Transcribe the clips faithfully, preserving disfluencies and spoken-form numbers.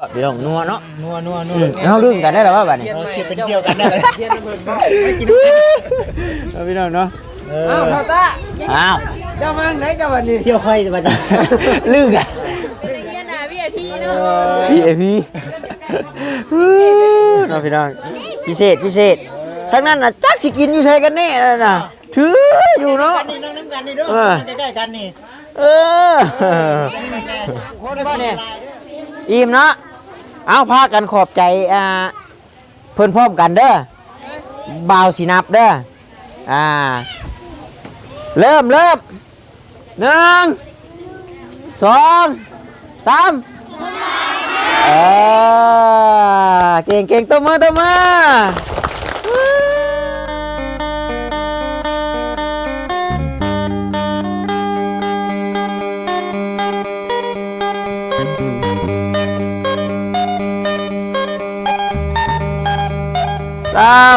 พี่น้องนัวเนาะนัวนัวนัวเฮาลืมกันได้แล้วว่าบัดนี้เชียร์เป็นเชี่ยวกันได้เลยเชียร์ระเบิดบ้าพี่น้องเนาะอ้าวเท่าตาอ้าวเจ้ามาไหนเจ้าบัดนี้เชี่ยวไข่บัดนี้ลืมกันเป็นเงี้ยนะ วี ไอ พี เนาะวี ไอ พี เนาะพี่น้องพิเศษพิเศษทั้งนั้นน่ะจักสิกินอยู่ใช่กันแน่แล้วน่ะถืออยู่เนาะนี่น้องน้ำกันนี่ด้วยใกล้ๆกันนี่เออคนบ่เนี่ยอิ่มเนาะเอาพากันขอบใจอ่าเพิ่นพร้อมกันเด้อบ่าวสินับเด้ออ่าเริ่มเริ่มหนึ่งสองสามเออเก่งเก่งตัวมือตัวมือสาม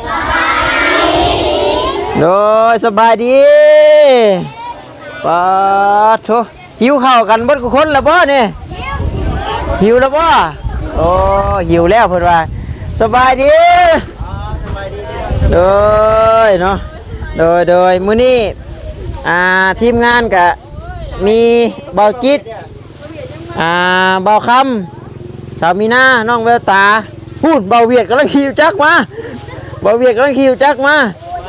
โดยสบายดีปะโถหิวข้าวกันเบิดคนละบ่เนี่ยหิวแล้วบ่โอ้หิวแล้วเพิ่นว่าสบายดีโดยเนาะโดยโดยมื้อนี้อ่าทีมงานก็มีเบาจิตอ่าเบาคำสาวมีนาน้องแววตาพูดเบาเวียดกำลังขี่จักมาเบาเวียดกำลังขี่จักมา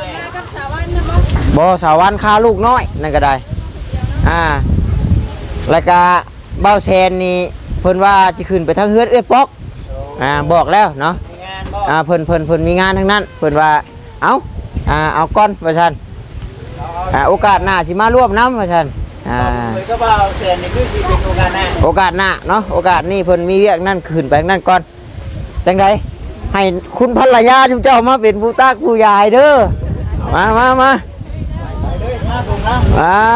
บ่สาววันคาลูกน้อยนั่นก็ได้อ่าแล้วก็เบาแซนนี่เพิ่นว่าสิขึ้นไปทางเฮือดเอ้ยป๊อกอ่าบอกแล้วเนาะอ่าเพิ่นเพิ่นเพิ่นมีงานทั้งนั้นเพิ่นว่าเอาอ่าเอาก้อนว่าซั่นอ่าโอกาสหน้าสิมาร่วมนำว่าซั่นอ่าเพิ่นก็เบาแซนนี่คือสิเป็นโอกาสหน้าโอกาสหน้าเนาะโอกาสนี้เพิ่นมีเวียกนั่นขึ้นไปนั่นก่อนจังไดให้คุณภรรยาจุ๊เจ้ามาเป็นผู้ตากผู้ยายเด้อมามามาอ่า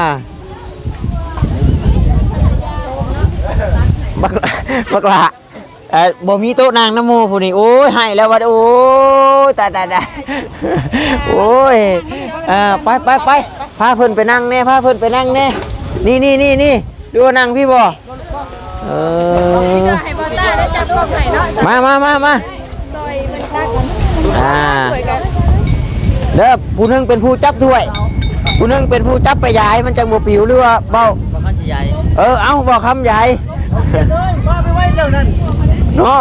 บักบักละเอ่อบ่มีโต๊ะนางน้ำมูผู้นี้โอ้ยให้แล้วว่าโอ้ยตายตายตายโอ้ยอ่าไปไปไปพาเพิ่นไปนั่งแน่พาเพิ่นไปนั่งแน่นี่นี่นี่นี่ดูนั่งพี่บ่เออให้บอต้าได้จับกล้องไหนเนาะมามามามาซอยมันตักอ่าเด้อผู้นึงเป็นผู้จับถ้วยผู้นึงเป็นผู้จับไปยายมันจังบ่ปิวหรือว่าเบาบ่คันสิใหญ่เออเอาบ่คำใหญ่เลยว่าไปไว้เจ้านั่นเนาะ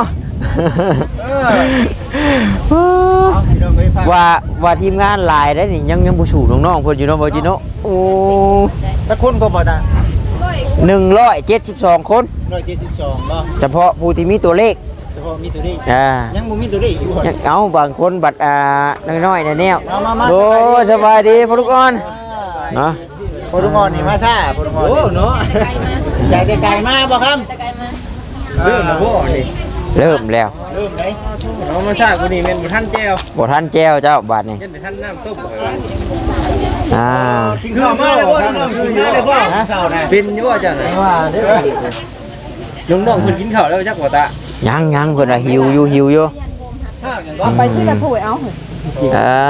ว่าว่าทีมงานหลายได้นี่ยังยังบ่สู่น้องๆเพิ่นอยู่เนาะบ่จิโนโอ้สักคนก็บ่ตาหนึ่งร้อยเจ็ดสิบสองคนหนึ่งร้อยเจ็ดสิบสองบ่เฉพาะผู้ที่มีตัวเลขเฉพาะมีตัวเลขอ่ายังบ่มีตัวเลขอยู่ยังเอาบางคนบัตรอ่าน้อยๆแนวๆโอ้สบายดีพ่อลูกอ่อนเนาะพ่อลูกอ่อนนี่มาซ่าพ่อลูกอ่อนโอ้เนาะใจแต่ไกลมาบ่ครับเริ่มแล้วบ่นี่เริ่มแล้วเริ่มได้เอามาซากูนี่แม่นบ่ทันแก้วบ่ทันแก้วเจ้าบาดนี่ยันทันน้ำต้มอ่ากินข้าวมาแล้วบ่น้องกินข้าวได้บ่ข้าวน่ะเป็นอยู่ว่าจังได๋ว่าเด้อน้องๆเพิ่นกินข้าวแล้วจักบ่ตายังยังเพิ่นน่ะหิวอยู่หิวอยู่เอาไปที่ละผู้เอาอ่า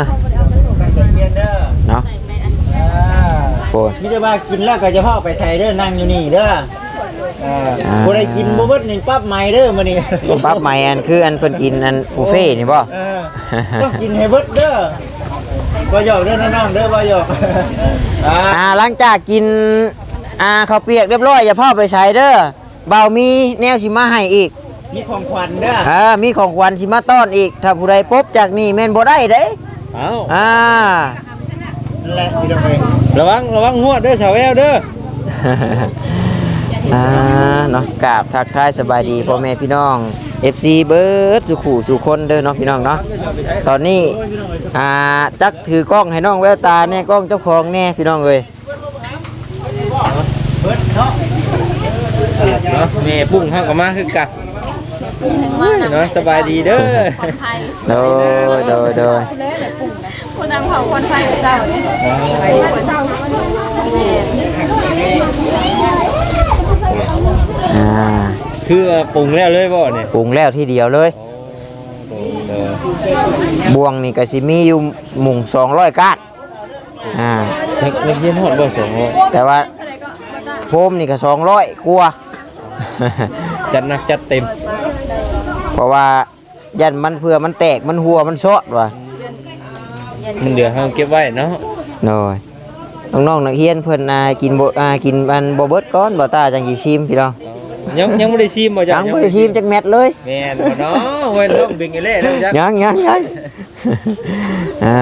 เนาะโอ้มีแต่ว่ากินแล้วก็จะพาไปใส่เด้อนั่งอยู่นี่เด้ออ่าบ่ได้กินบ่เบิดนี่ปั๊บใหม่เด้อมื้อนี้ปั๊บใหม่อันคืออันเพิ่นกินอันบุฟเฟ่นี่บ่เออต้องกินให้เบิดเด้อบ่หยอกเด้อน้องๆเด้อบ่หยอกอ่าหลังจากกินอ่าข้าวเปียกเรียบร้อยอย่าพ่อไปใช้เด้อเบามีแนวสิมาให้อีกมีของขวัญเด้ออ่ามีของขวัญสิมาต้อนอีกถ้าผู้ใดพบจากนี่แม่นบ่ได้เด้เอ้าอ่านั่นแหละพี่น้องเอ้ยระวังระวังหัวเด้อสาวแววเด้ออ่าเนาะกราบทักทายสบายดีพ่อแม่พี่น้อง เอฟ ซี เบิร์ดสุขุสุคนเด้อเนาะพี่น้องเนาะตอนนี้อ่าจักถือกล้องให้น้องแววตาแน่กล้องเจ้าของแน่พี่น้องเอ้ยเบิดเนาะเนาะแม่ปุ้งเฮาก็มาคือกันเนาะสบายดีเด้อโดยโดยโดยคนนางเผาคนไฟเจ้าอ่าคือปรุงแล้วเลยบ่เนี่ยปรุงแล้วทีเดียวเลยบวงนี่ก็สิมีอยู่หมุ่งสองร้อยก้านอ่าเล็กเย็นหอดบ่สองร้อยแต่ว่าโพมนี่ก็สองร้อยกว่าจัดหนักจัดเต็มเพราะว่ายันมันเพื่อมันแตกมันหัวมันซอดว่ะมันเดือเฮาเก็บไว้เนาะน้อยน้องๆนักเรียนเพิ่นน่ะกินบ่อ่ากินมันบ่เบิดก่อนบ่ตาจังสิชิมพี่น้องยังยังบ่ได้ชิมบ่ยัจ้ะงบ่ได้ชิมจักเม็ดเลยแม่นบ่เนาะเว้นต้องดึงไอ้เล่แล้วจ้ะยังยังยังอ่า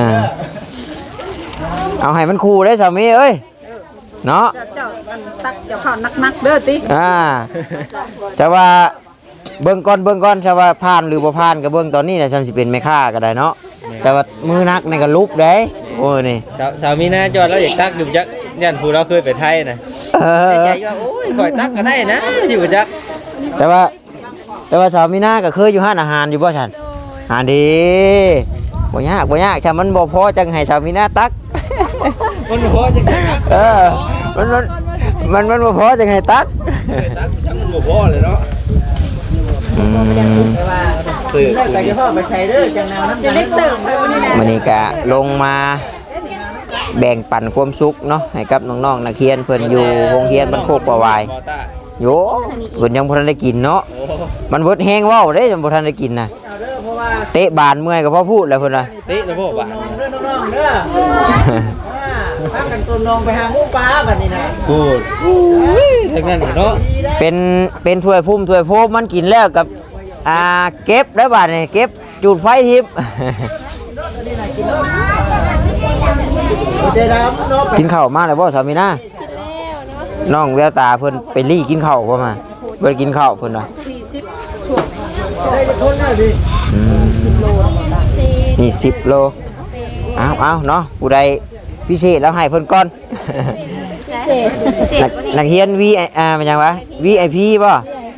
เอาให้มันคู่ได้สามีเอ้ยเนาะเจ้ามันตักเจ้าข้าวนักๆเด้อติอ่าจะว่าเบิ่งก่อนเบิ่งก่อนจะว่าผ่านหรือบ่ผ่านก็เบิ่งตอนนี้น่ะฉันสิเป็นแม่ค้าก็ได้เนาะแต่ว่ามือนักนี่ก็ลุบได้โอ้ยนี่สาวสาวมีหน้าจอดแล้วอยากตักอยู่จักยันผู้เราเคยไปไทยนะเออใจก็โอ้ยข่อยตักก็ได้นะอยู่จักแต่ว่าแต่ว่าสาวมีนาก็เคยอยู่ห้านอาหารอยู่บ่ฉันอ่านดีบ่ยากบ่ยากถ้ามันบ่พอจังให้สาวมีนาตักมันบ่พอจังได๋ครับเออมันมันมันมันบ่พอจังให้ตักตักจังมันบ่พอเลยเนาะอืมแต่ว่ากินแล้วก็จะพ่อไปใช้เด้อจังแนวน้ำจะได้เสริมไปวันนี้นะมื้อนี้ก็ลงมาแบ่งปันความสุขเนาะให้กับน้องๆนักเรียนเพิ่นอยู่โรงเรียนบ้านโคกประวายบ่ตาโยเพิ่นยังบ่ทันได้กินเนาะโอ้มันเบิดแห้งเว้าเด้ยังบ่ทันได้กินน่ะเอาเด้อเพราะว่าเตะบานเมื่อยก็พอพูดแล้วเพิ่นว่าติแล้วบ่บาดน้องเด้อน้องๆเด้ออ่าพากันต้มนองไปหาหมูปลาบัดนี้นะพูดทั้งนั้นเนาะดีได้เป็นเป็นถ้วยพุ่มถ้วยโพมมันกินแล้วกับอ่าเก็บได้บาดนี่เก็บจุดไฟทิพย์ใจดำเนาะกินข้าวมาแล้วบ่สามีนาน้องแววตาเพิ่นไปรี่กินข้าวบ่มาเพิ่นกินข้าวเพิ่นว่าได้จะคนน่ะดิอืมนี่สิบโลเอาเอาเนาะผู้ใดพิเศษแล้วให้เพิ่นก่อน นักนักเรียน V อ่ามันหยังวะ วี ไอ พี บ่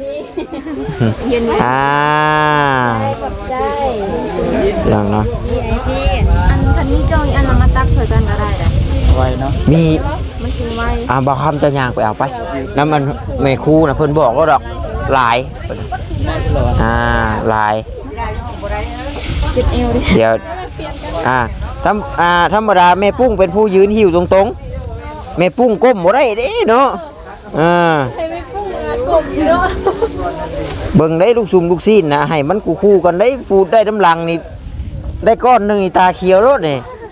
อ่าได้ลองเนาะไอพี่อันคันนี้จองอันมาตักเผื่อกันก็ได้เลยไว้เนาะมีมันคือไว้อ่าบ่คำเจ้าย่างไปเอาไปน้ำมันแม่ครูน่ะเพิ่นบอกว่าดอกหลายอ่าหลายจิตเอวดิเดี๋ยวอ่าธรรมอ่าธรรมดาแม่ปุ้งเป็นผู้ยืนหิวตรงๆแม่ปุ้งก้มบ่ได้เด้เนาะอ่าใครไม่พุ่งงานกลมเนาะเบิ่งได้ลูกซุ่มลูกซีนนะให้มันคู่ๆกันได้ปูดได้น้ำลังนี่ได้ก้อนหนึงนี่ตาเขียวรถนี่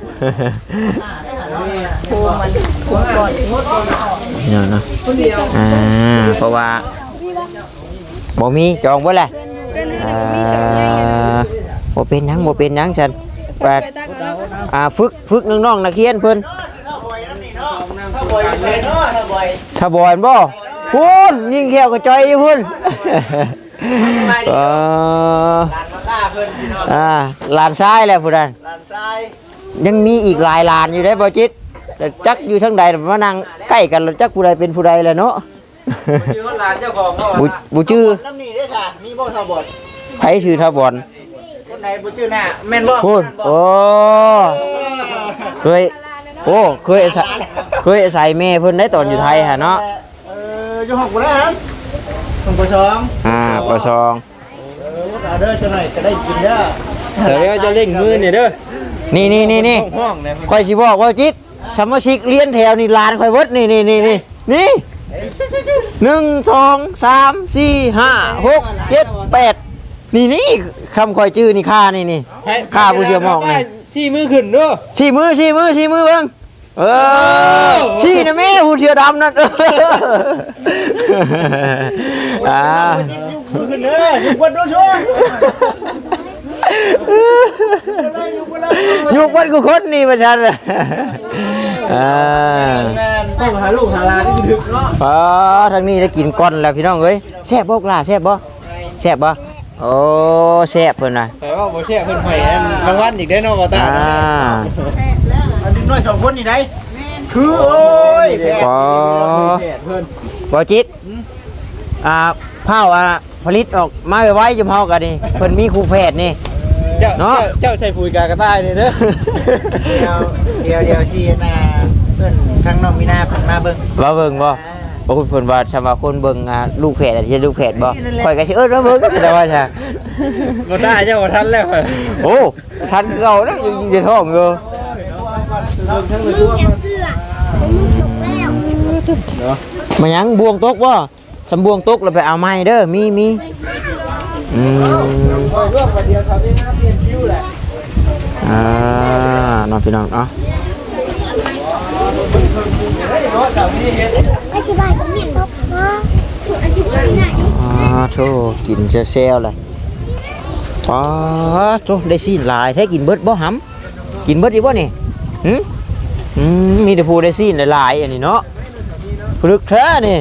เนี่ยนะอ่าเพราะว่าบ่มีจองไว้แหละอ่าบ่เป็นหยังบ่เป็นหยังฉันแปดอ่าฝึกฝึกน้องๆนักเรียนเพิ่นถ้าบ่อยนั่นนี่เนาะถ้าบ่อยใส่เนาะถ้าบ่อยถ้าบ่อนบ่พุ่นยิงแก้วกระจอยอยู่พุ่น เออลานมาตาเพิ่นพี่น้องอ่าลานซ้ายแหละพุ่นนั่นลานทรายยังมีอีกหลายลานอยู่ได้บ่จิตแต่จักอยู่ทางใดมานั่งใกล้กันแล้วจักผู้ใดเป็นผู้ใดแหละเนาะอยู่หลานเจ้าของก็บุบุจื้อน้ำนี่เด้อค่ะมีบ่ซาบดไผชื่อทบอนคนไหนบ่ชื่อหน้าแม่นบ่พูดโอ้เคยโอ้เคยอาศัยเคยอาศัยแม่เพิ่นได้ตอนอยู่ไทยฮะเนาะเอออยู่ห้องบ่ได้ฮะห้องบ่สองอ่าปสองเออเอาเด้อจังหน่อยจะได้กินเด้อเดี๋ยวจะเล่งมือเนี่ยเด้อนี่นี่นี่นี่ห้องเนี่ยค่อยสิบอกว่าจิตสมาชิกเรียนแถวนี่ลานค่อยเบิดนี่นี่นี่นี่นี่หนึ่งสองสามสี่ห้าหกเจ็ดแปดนี่นี่คำคอยจื้อนี่ค่านี่นี่ ข้าผู้เชี่ยวหมอกนี่ชี้มือขึ้นเด้อชี้มือชี้มือชี้มือเบิ่งเออชี้นะแม่ผู้เชี่ยวดำนั่นเอออ่ามือขึ้นเด้ออยู่วันดูชัวยุกวันกูคนนี่ประชันอ่าแม่นต้องหาลูกหาหลานที่ดึกเนาะอ๋อทางนี้ได้กินก้อนแล้วพี่น้องเอ้ยแซ่บบ่กล่าแซ่บบ่แซ่บบ่โอ้แซ่บเพิ่นน่ะแต่ว่าบ่แช่เพิ่นใหม่รางวัลอีกได้เนาะบ่ตาอ่าอันนี้น้อยสองคนนี่ได้คือโอ้ยแพทย์พอแพทย์เพิ่นบ่จิตอ่าเผาอ่ะผลิตออกมาไว้ๆจุ่มเฮากันนี่เพิ่นมีครูแพทย์นี่เจ้าเนาะเจ้าใส่ปุ๋ยกากระต่ายนี่เด้อเดี๋ยวเดี๋ยวเดี๋ยวที่น่ะเพิ่นทางน้องมีนาเพิ่นมาเบิ่งว่าเบิ่งบ่บ่คุณเพิ่นว่าชำว่าคนเบิ่งอ่าลูกแพทย์อ่ะสิลูกแพทย์บ่ข่อยก็สิเอิ้นว่าเบิ่งแต่ว่าซะบ่ตาเจ้าบ่ทันแล้วโอ้ทันคือเก่าแล้วยังอยู่ในท้องอยู่เบิ่งทั้งเลยทั่วมาหยังบวงตกบ่สำบวงตกแล้วไปเอาไม้เด้อมีมีอืมคอยร่วมกันเดียวเขาได้นะเปลี่ยนคิวแหละอ่าน้องพี่น้องเนาะอธิบายกับเมียนครับว่าคืออธิบายง่ายอ๋อโธ่กินเซลๆเลยอ๋อโธ่ได้ซีนหลายแท้กินเบิดบ่หำกินเบิดอีบ่นี่หึอืมมีแต่ผู้ได้ซีนหลายๆอันนี้เนาะพลึกแท้นี่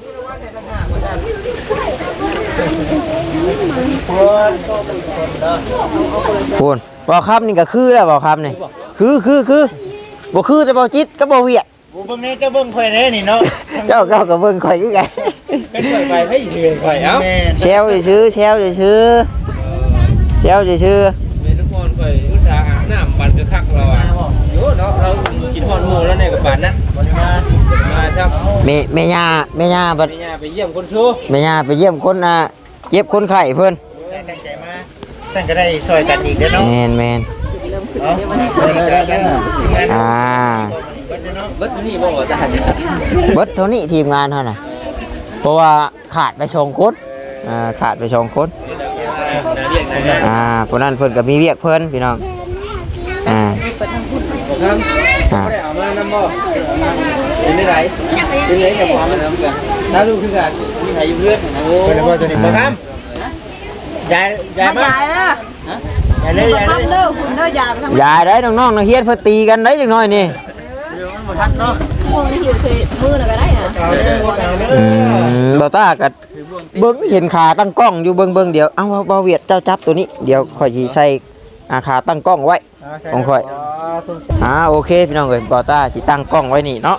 พูนบ่ครับนี่ก็คือแล้วบ่ครับนี่คือคือคือบ่คือแต่บ่จิตก็บ่เวียดบ่เบิ่งแน่เจ้าเบิ่งข่อยแน่นี่เนาะเจ้าเจ้าก็เบิ่งข่อยคือกันเป็นข่อยไปให้เถื่อนข่อยเอ้าแม่เซลซื่อๆเซลซื่อๆเซลซื่อเมทุกคนข่อยอุตส่าห์อาบน้ำปันกระคักเราอ่ะโยเนาะเรากินฮอนหมูแล้วเนี่ยกับปานนั้นบ่ได้มามาครับๆแม่แม่ย่าแม่ย่าบัดไปย่าไปเยี่ยมคนชู้แม่ย่าไปเยี่ยมคนอ่ะเจ็บคนไข้เพิ่นตั้งใจมาตั้งก็ได้ซอยกันอีกเด้อเนาะแม่นแม่นเนาะซอยกันเนาะอ่าเบิดนี่บ่ว่าตาจ้ะเบิดเท่านี้ทีมงานเท่าน่ะเพราะว่าขาดไปสองคนอ่าขาดไปสองคนน่าเรียกนะอ่าคนนั้นเพิ่นก็มีเวียกเพิ่นพี่น้องอ่าครับบ่ได้เอามานำบ่เป็นได้ไรเป็นไรกับความมันนำกันถ้าลูกคือกันมีใครอยู่เพื่อนโอ้เพิ่นว่าตัวนี้บ่ทำยายยายมามาใหญ่เด้อยายเลยยายเลยทำเด้อคุณเด้อยายไปทำอย่าได้น้องๆนักเรียนเพิ่นตีกันได้จังน้อยนี่บ่ทันเนาะพวกนี้หิวคือมือน่ะก็ได้อ่ะเอาเด้อเอาเด้อือมบ่ตาก็เบิ่งเห็นขาตั้งกล้องอยู่เบิ่งๆเดี๋ยวเอ้าบ่เวียดเจ้าจับตัวนี้เดี๋ยวข่อยสิใส่อาขาตั้งกล้องไว้ ของข่อย อ่าโอเคพี่น้องเอ้ยบอต้าสิตั้งกล้องไว้นี่เนาะ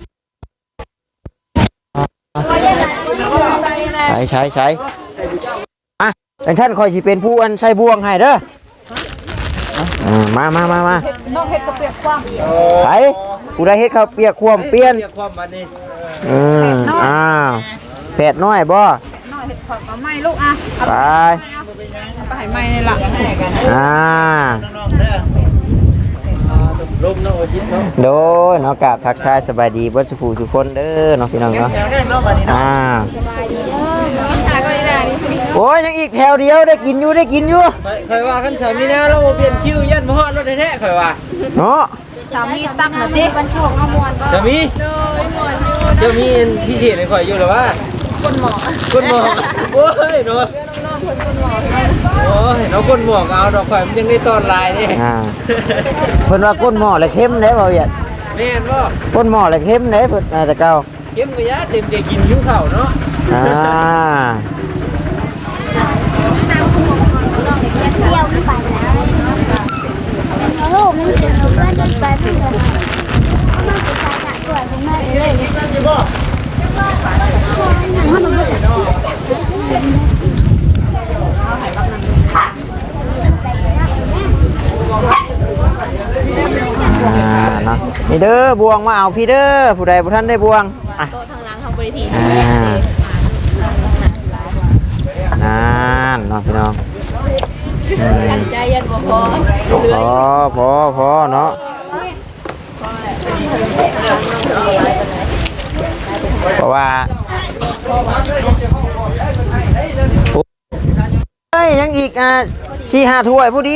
ใช้ใช้ใช้อ่ะแต่ท่านคอยสิเป็นผู้อันใช้บ่วงให้เด้ออ่ามามามามาน้องเฮ็ดกระเปียกความไปผู้ใดเฮ็ดข้าวเปียกความเปลี่ยนเรียกความบัดนี้อืมอ้าวแผดน้อยบ่น้อยเฮ็ดความเอาไม้ลูกอ่ะไปเอาไปให้ไม้นี่ล่ะอ่าน้องๆเด้อลมเนาะจิตเนาะโดยเนาะกราบทักทายสบายดีเบิดสุขสุขคนเด้อเนาะพี่น้องเนาะแถวแน่เนาะบัดนี้เนาะอ่าตาก็ได้นี่โอ้ยยังอีกแถวเดียวได้กินอยู่ได้กินอยู่ข่อยว่าคันสามีนะเราเปลี่ยนคิวยันบ่ฮอดรถแท้ๆข่อยว่าเนาะสามีตั้งน่ะติบรรทุกเอามวนบ่จะมีจะมีพิเศษให้ข่อยอยู่หรือว่าคนหมอคนหมอกโอ้ยเนาะโอ้ยเนาะคนหมอกเอาดอกข่อยมันยังได้ตอนลายนี่อ่าเพิ่นว่าก้นหม้อเลยเข้มเด้บ่เวียดแม่นบ่ก้นหม้อเลยเข้มเด้เพิ่นอ่าแต่เก่าเข้มกระยะเต็มใจกินหิวข้าวเนาะอ่าเที่ยวไปแล้วโอ้มันจะว่าจะไปเพื่อนมันจะไปหนักกว่าคุณแม่เลยมันไม่ได้อ่าเนาะนี่เด้อบวงมาเอาพี่เด้อผู้ใดผู้ท่านได้บวงอ่ะโตทางหลังทางบริทีอ่านั่นเนาะพี่น้องอืมใจยันบ่พอพอพอพอเนาะเพราะว่าเฮ้ยยังอีกอ่ะสี่ห้าถ้วยผู้ดี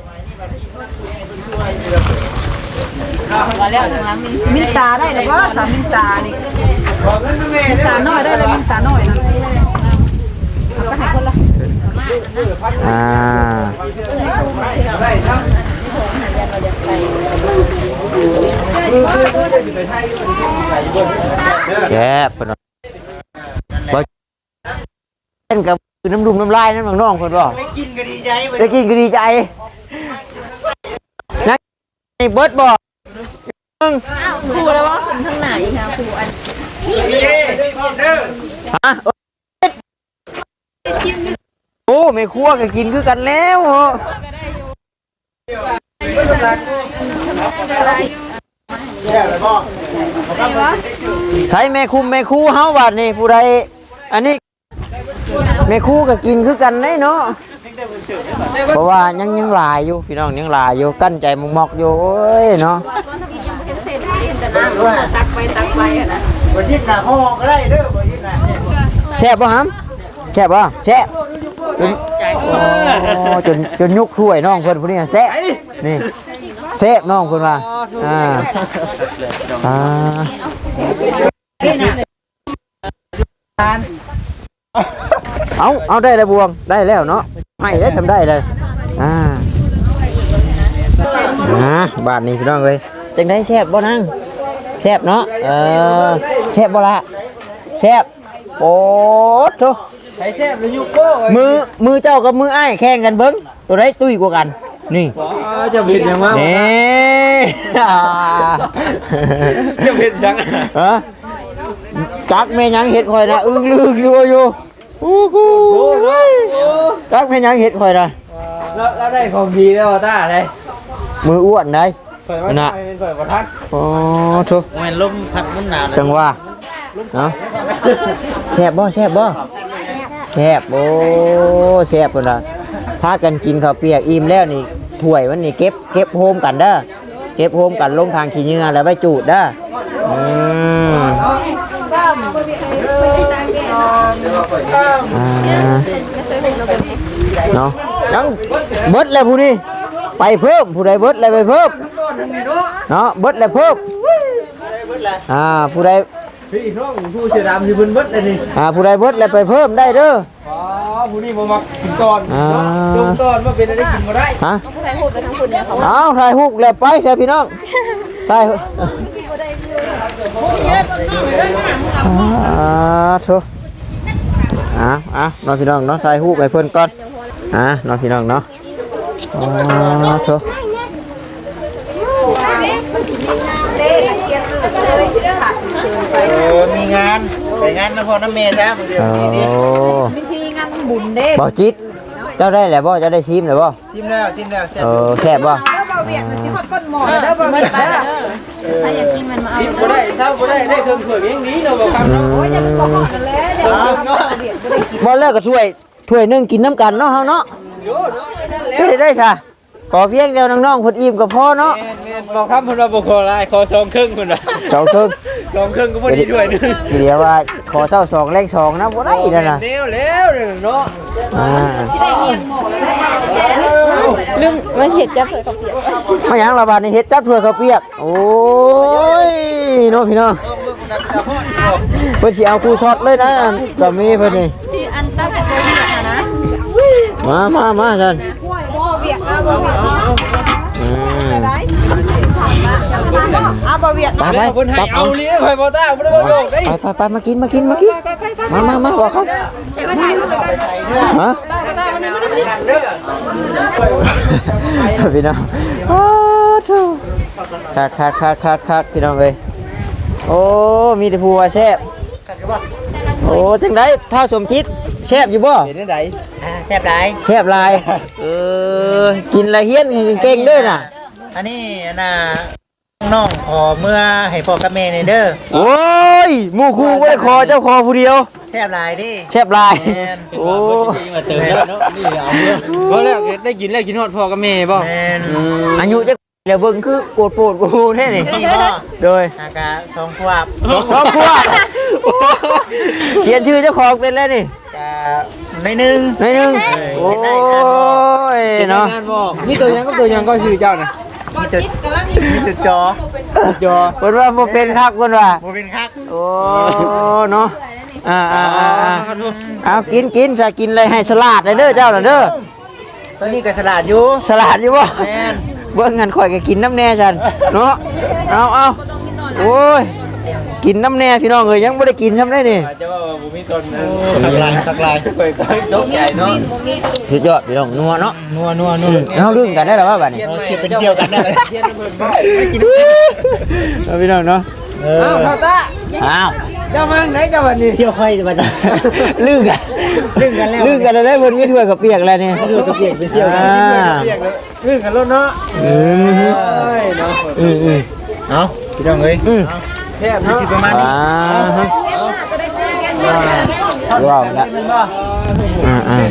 มาแล้วทางหลังนี่มินตาได้หรือว่าสามินตานี่บอกเงินแม่มินเด้อตาน้อยได้เลยมินตาน้อยนะเอาไปให้คนละอ่าแซ่บเพิ่นว่าบ่เล่นกับน้ำดุมน้ำลายนั่นน้องๆเพิ่นบ่ได้กินก็ดีใจเว้ยได้กินก็ดีใจนะนี่เบิดบ่อ้าวครูแล้วว่าขึ้นทางไหนคะครูอันนี่เด้เด้อฮะโอ้ไม่ครัวก็กินคือกันแล้วเหรอใช้แม่คุมแม่คู่เฮาบัดนี่ผู้ใดอันนี้แม่คู่ก็กินคือกันได้เนาะเพราะว่ายังยังหลายอยู่พี่น้องยังหลายอยู่กั้นใจมอกๆอยู่โอ้ยเนาะตักไปตักไปอ่ะนะบ่ยิดหน้าห้องก็ได้เด้อบ่ยิดหน้าตแซ่บบ่ฮัมแซ่บบ่แซ่บจนโอ้จนจนยุกถ้วยน้องเพิ่นผู้นี้แซ่บนี่แซ่บน้องเพิ่นว่าอ่าอ่าเอาเอาได้แล้วบวงได้แล้วเนาะให้ได้ทำได้เลยอ่าอ่าบาทนี้พี่น้องเอ้ยจังได้แซ่บบ่นั่งแซ่บเนาะเออแซ่บบ่ละแซ่บโอ้โธ่ใช้แซ่บหรือยุโก้มือมือเจ้ากับมือไอ้ายแข่งกันเบิ้งตัวได้ตุ้ยกว่ากันนี่จะเผ็ดยังวะนี่จะเผ็ดยังฮะจักแม่ยังเห็ดข่อยนะอึ้งลึกอยู่อยู่โอ้โหจักแม่ยังเห็ดข่อยนะแล้วแล้วได้ของดีแล้วต้าเลยมืออ้วนได้เปิดว่าเป็นเปิดประทัดโอ้โธ่มันลมพัดมันหนาวจังว่าเนาะแซ่บบ่แซ่บบ่แซ่บโอ้แซ่บพุ่นล่ะพากันกินข้าวเปียกอิ่มแล้วนี่ถ้วยมันนี่เก็บเก็บโฮมกันเด้อเก็บโฮมกันลงทางขี้เหงื่อแล้วไปจูดเด้ออืมอ่าเนาะยังเบิดแล้วผู้นี้ไปเพิ่มผู้ใดเบิดแล้วไปเพิ่มเนาะเบิดแล้วเพิ่มอ่าผู้ใดพี่น้องผู้เสียดำที่บุญเบิดเลยนี่อ่าผู้ใดเบิดแล้วไปเพิ่มได้เด้ออ๋อผู้นี้มามักกินก่อนลงก่อนว่าเป็นอะไรกินมาได้ฮะผู้ใดพูดไปทั้งคุณเนี่ยเขาเอาถ่ายฮุกแล้วไปใช่พี่น้องถ่ายอ่าโถอ่ะอ่ะน้องพี่น้องเนาะถ่ายฮุกไปเพิ่นก่อนอ่ะน้องพี่น้องเนาะอ่าโถเออมีงานไปงานนครน้ำเมย์จ้าเดี๋ยวโอ้นี้ดิวิธีงานบุญเด้บ่จิตเจ้าได้แล้วบ่เจ้าได้ชิมแล้วบ่ชิมแล้วชิมแล้วแซ่บเออแซ่บบ่เด้อบ่มีไปแล้วถ้าอยากกินมันมาเอากินก็ได้เศร้าก็ได้ได้เครื่องเผือกอย่างนี้เราบอกคำอืเนาะมบ่เลิกก็ถ้วยถ้วยหนึงกินน้ำกันเนาะเฮาเนาะไม่ได้ได้ค่ะขอเพียงเดียวน้องๆเพิ่นอิ่มก็พอเนาะบอกคำคนเราบอกขอลายขอสองครึ่งคนละสองครึ่งสองครึ่งก็พอดีด้วยนึงเดี๋ยวว่าขอเศร้าสองแรงสองนะบ่ได้นั่นน่ะเร็วเร็วเนาะอ่านึ่งมันเห็ดจะเผื่อเขาเปียกมาหยังละบาดนี่เฮ็ดจับถ้วยข้าวเปียกโอ้ยเนาะพี่น้องเพิ่นสิเอากูช็อตเลยนะก็มีเพิ่นนี่ที่อันตั้งแต่ตัวเบียกนะมามามาซั่นบ่เวียดนะบ่เวียดนะอืมได้เอาบ่เวียดไปไปคนให้จับเอาเอาเลี้ยงไข่บอต้าไม่ได้บอกได้ไปไปไปมากินมากินมากินมามามาบอกครับฮะพี่น้องโอ้ทูคักคักคักคักคักพี่น้องเอ้ยโอ้มีแต่ผู้ว่าแซ่บโอ้จังได๋ท้าวสมจิตแซ่บอยู่บ่เห็นได้ไหนอ่าแซ่บหลายแซ่บหลายเออกินละเฮียนเก่งๆเด้อน่ะอันนี้น่ะน้องขอเมื่อให้พ่อกับแม่ในเด้อโอ้ยหมู่ครูบ่ได้ขอเจ้าขอผู้เดียวแซ่บหลายดิแซ่บหลายแม่นโอ้มาเติมได้เนาะนี่เอาเรื่องเพราะแล้วได้กินแล้วกินฮอดพ่อกับแม่บ่แม่นอายุจะเดี๋ยวเบิ่งคือโกรธโปรดกูแน่นี่ที่พ่อโดยอากาสองขวบชอบพวกเขียนชื่อเจ้าของเป็นแล้วนี่กะในหนึ่งหน่อยหนึงโอ้ยเนาะงานบ่มีตัวยังก็ตัวยังก็ชื่อเจ้านะมีจุดมีจุดจอจอเพิ่นว่าบ่เป็นคักเพิ่นว่าโมเป็นคักโอ้เนาะอ่าอ่าอ่าอ่าเอากินกินจะกินอะไรให้สลัดเลยเด้อเจ้าน่ะเด้อตอนนี้ก็สลัดอยู่สลัดอยู่บ่แม่นเบิ่งงันข่อยก็กินน้ำแน่จันเนาะเอาเอาโอ้ยกินน้ำแน่พี่น้องเอ้ยยังบ่ได้กินซ้ำได้นี่จะว่าบ่มีตนขักลายขักลายไปก็ยกใหญ่เนาะสุดยอดพี่น้องนัวเนาะนัวนัวนัวเฮาลืมกันได้แล้วว่าบัดนี้เราเชียร์เป็นเชี่ยวกันได้เลยเทียนเบิ่งบ่เอาพี่น้องเนาะเออ้าวอพ่อตาอ้าวเจ้ามาไหนเจ้าบัดนี้เชี่ยวค่อยจะมาได้ลืมกันลืมกันแล้วลืมกันแล้วได้เพิ่นมีถ้วยกับเปียกแล้วนี่ถ้วยกับเปียกเป็นเสี่ยวกันอ่าเรียกเลยเรื่องกันแล้วเนาะอืมเอ้ยเนาะอืมอืมเอาพี่น้องเอ้ยอืมแซ่บมีเนาะสิประมาณอ่านี้ฮะว้าวแล้วอ่าอ่า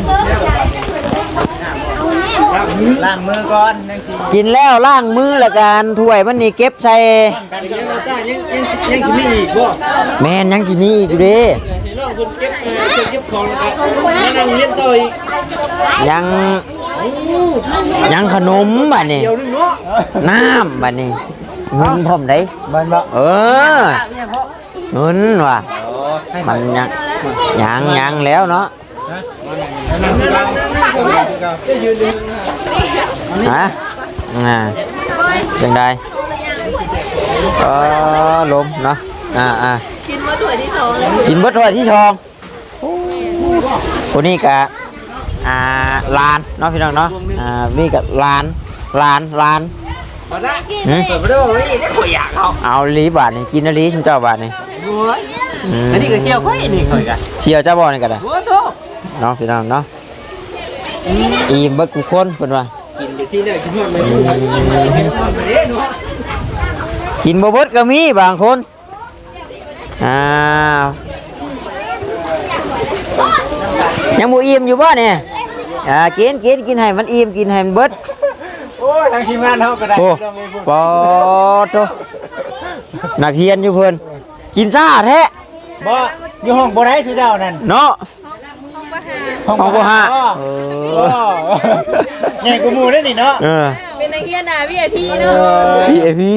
ล้างมือก่อนนั่งกินกินแล้วล้างมือละกันถ้วยมันนี่เก็บใส่ยังยังยังยังสิมีอีกบ่แม่นยังสิมีอีกอยู่เด้น้องคนเก็บเก็บของแล้วก็นั่งเรียนต่ออีกยังยังขนมบัดนี้เดี๋ยวนึงเนาะน้ำบัดนี้เงินพร้อมได้มันบ่เออเงินว่ะมันยังยังยังแล้วเนาะนั่งที่เราจะยืนดึงฮะอ่าจังไดเออลมเนาะอ่าอ่ากินมาถ้วยที่สองเลยกินเบิดถ้วยที่ชองคนนี้กะอ่าลานเนาะพี่น้องเนาะอ่านี่กะลานลานลานเอาละเปิดมาด้วยว่านี่ได้ข่อยอยากเอาเอาลีบาทนี่กินลีชุมเจ้าบาทนี่โอ้ยอันนี้ก็เที่ยวค่อยนี่ข่อยกันเชียวเจ้าบ่อนี่ก็ได้โอ้โตเนาะพี่น้องเนาะอิ่มเบิดกูคนเพิ่นว่ากินไปสิเลยกินหมดเลยกินหมดเลยเนาะกินบ่เบิดก็มีบางคนอ้าว ยังบ่อิ่มอยู่บ่เนี่ยอ่ากินกินกินให้มันอิ่มกินให้มันเบิดโอ้ยทางทีมงานเขาก็ได้โอ้ปอโตนักเรียนอยู่เพิ่นกินซ่าแท้บ่อยู่ห้องบ่ได้สุเจ้านั่นเนาะห้องห้องบ่ห้าเอเอออใหญ่กว่าหมู่ได้นี่เนาะเออเป็นนักเรียนนะพี่ไอพีเนาะพี่เอพี่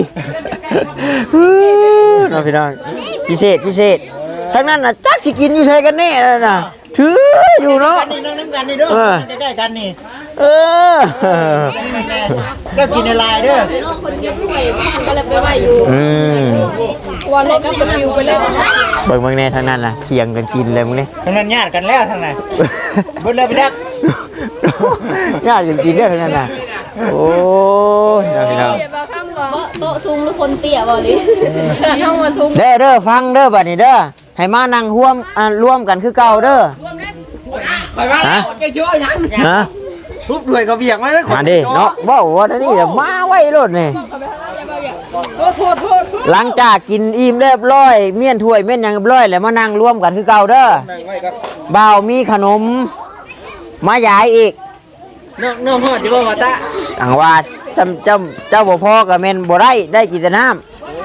น้องพี่น้องพิเศษพิเศษทั้งนั้นน่ะจักสิกินอยู่ใช่กันแน่แล้วน่ะถืออยู่เนาะกันนี่นั่งน้ำกันนี่เด้อเออใกล้ๆกันนี่เออก็กินในลายเด้อพี่น้องคนเก็บถ้วยบ้านก็เลยไปไหวอยู่อืมวันแรกก็ไปอยู่ไปเลยเบิ่งเบิ่งแน่ทั้งนั้นน่ะเคียงกันกินเลยมึงนี่ทั้งนั้นญาติกันแล้วทั้งนั้นเบิดเลยไปแล้วญาติกันกินได้ทั้งนั้นน่ะโอ้ยน้องพี่น้องเดี๋ยวบาข้ามก่อนโต๊ะซุงหรือคนเตี้ยบ่ลิจะเข้ามาซุงเด้อเด้อฟังเด้อบัดนี้เด้อให้มานั่งร่วมอ่าร่วมกันคือเก่าเด้อไปมาแล้วจะช่วยยังนะทุบด้วยกระเบียกมาเลยมาดิเนาะบ่ว่าอันนี้เดี๋ยวมาไว้รถนี่โทษโทษโทษหลังจากกินอิ่มเรียบร้อยเมี่ยนถ้วยเมี่ยนหยังเรียบร้อยแล้วมานั่งร่วมกันคือเก่าเด้อนั่งไว้ครับบ่าวมีขนมมายายอีกน้องน้องฮอดที่บ่มาตะอังว่าจำจำเจ้าบ่พอกับแม่นบ่ได้ได้กินแต่น้ำ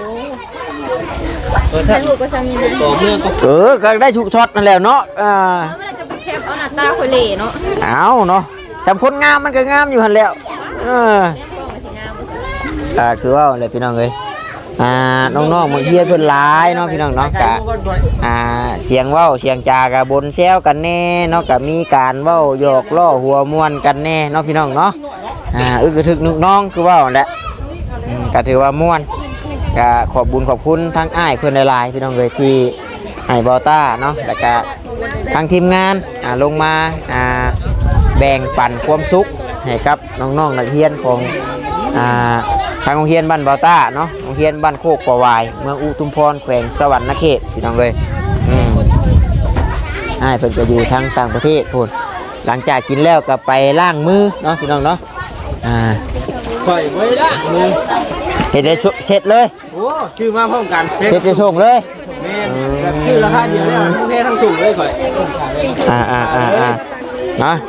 เออฉัท่านนลูกก็สามีนะต่อเมื่อก็เออก็ได้ชุกช็อตนั่นแหละเนาะอ่าเมื่อไรจะไปแคปเอาหน้าตาคนเหล่เนาะเอาเนาะจำคนงามมันก็งามอยู่หั่นแล้วเอออ่าคือว่าอะไรพี่น้องเอ้ยอ่าน้องๆบางทีเพิ่นหลายเนาะพี่น้องเนาะกะอ่าเสียงเว้าเสียงจากะบนแซวกันแน่เนาะกะมีการเว้าหยอกล้อหัวม่วนกันแน่เนาะพี่น้องเนาะอ่าอึกกระทึกนึกน้องคือเว้านั่นแหละอืมก็ถือว่าม่วนก็ขอบบุญขอบคุณทั้งอ้ายเพิ่นหลายๆพี่น้องเอ้ยที่ให้บอต้าเนาะแล้วก็ทางทีมงานอ่าลงมาอ่าแบ่งปันความสุขให้กับน้องๆนักเรียนของอ่า ทางโรงเรียนบ้านบาต้าเนาะโรงเรียนบ้านโคกปะวายเมืองอุทุมพรแขวงสวรรณเขตพี่น้องเลยอืมอ้ายเพิ่นก็อยู่ทางต่างประเทศพูนหลังจากกินแล้วก็ไปล้างมือเนาะพี่น้องเนาะอ่าข่อยไว้ละมือเฮ็ดได้เสร็จเลยโอ้ชื่อมาพร้อมกันเสร็จจะส่งเลยแม่แบบชื่อราคาเดียวเนี่ยทั้งเพทั้งสูงเลยข่อยอ่าอ่าอ่าอ่าเนาะ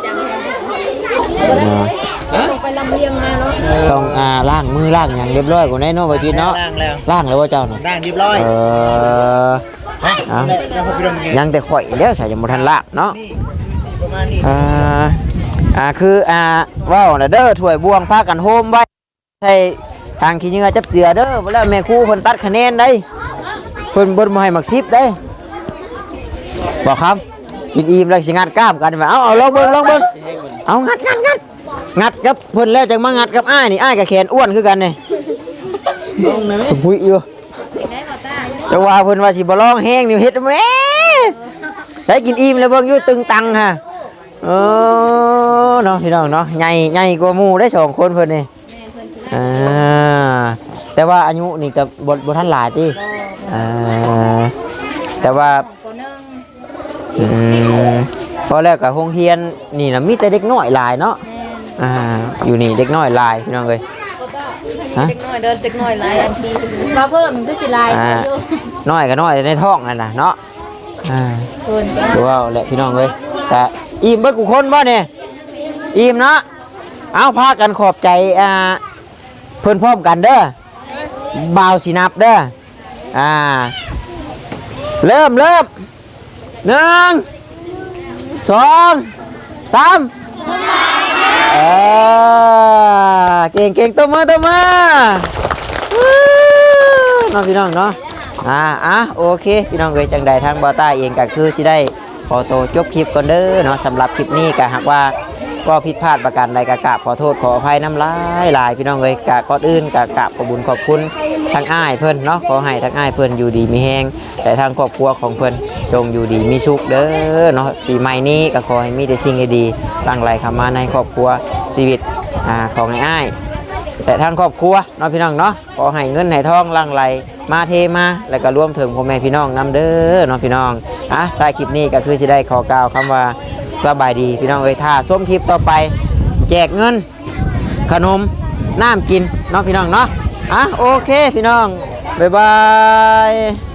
ต้องไปลำเลียงมาเนาะต้องอ่าล้างมือล้างอย่างเรียบร้อยกว่านี้เนาะบ่จิตเนาะล้างแล้วล้างแล้วว่าเจ้าเนาะล้างเรียบร้อยเออเอาแล้วพอพี่ดมไงยังแต่ข่อยแล้วใส่ยังบ่ทันล้างเนาะนี่ประมาณนี้อ่า อ่า คืออ่าว้าวน่ะเด้อถ้วยบวงพากันโฮมไว้ใส่ทางขี้เหงื่อจับเจือเด้อบ่แล้วแม่ครูเพิ่นตัดคะแนนได้เพิ่นบ่มาให้มักสิบได้บอกครับกินอิ่มแล้วสิงัดกล้ามกันว่าเอาเอาลองเบิ่งลองเบิ่งเอางัดงัดงัดงัดกับเพิ่นแล้วจังมางัดกับอ้ายนี่อ้ายกับแขนอ้วนคือกันนี่ลองได้มั้ยพุยอยู่จังว่าเพิ่นว่าสิบ่ลองแห้งนี่เฮ็ดแหมใช้กินอิ่มแล้วเบิ่งอยู่ตึงตังฮะเออเนาะพี่น้องเนาะใหญ่ใหญ่กว่าหมู่ได้สองคนเพิ่นนี่อ่าแต่ว่าอายุนี่ก็บ่บ่ทันหลายติอ่าแต่ว่าอืมพอแล้วก็โรงเรียนนี่น่ะมีแต่เด็กน้อยหลายเนาะอ่าอยู่นี่เด็กน้อยหลายพี่น้องเอ้ยฮะเด็กน้อยเดินเด็กน้อยหลายอันทีมาเพิ่มมันก็สิลายอ่าเยอะน้อยก็น้อยในท้องนั่นน่ะเนาะอ่าเกินดูเอาแหละพี่น้องเอ้ยแต่อิ่มเบิดกูคนบ่เนี่ยอิ่มเนาะเอาพากันขอบใจอ่าเพิ่นพร้อมกันเด้อบ่าวสินับเด้ออ่าเริ่มเริ่มหนึ่งสองสามเออเก่งเก่งตัวมือตัวมือน้องพี่น้องเนาะอ่าอ่ะโอเคพี่น้องเอ้ยจังใดทางบอต้าเองก็คือสิได้ขอโตวจบคลิปก่อนเด้อเนาะสำหรับคลิปนี้ก็หากว่าก็ผิดพลาดประการใดก็กราบขอโทษขออภัยน้ำลายหลายพี่น้องเอ้ยกะก่อนอื่นก็กราบขอบุญขอบคุณทางอ้ายเพิ่นเนาะขอให้ทางอ้ายเพิ่นอยู่ดีมีแฮงแต่ทางครอบครัวของเพิ่นจงอยู่ดีมีสุขเด้อเนาะปีใหม่นี้ก็ขอให้มีแต่สิ่งดีๆตั้งไหลเข้ามาในครอบครัวชีวิตอ่าของอ้ายแต่ทางครอบครัวเนาะพี่น้องเนาะขอให้เงินให้ทองหลั่งไหลมาเทมาแล้วก็รวมถึงพ่อแม่พี่น้องนํเด้อเนาะพี่น้องอ่ะท้ายคลิปนี้ก็คือสิได้ขอกล่าวคำว่าสบายดีพี่น้องเอ้ยถ้าส้มคลิปต่อไปแจกเงินขนมน้ำกินเนาะพี่น้องเนาะอ่ะโอเคพี่น้องบ๊ายบาย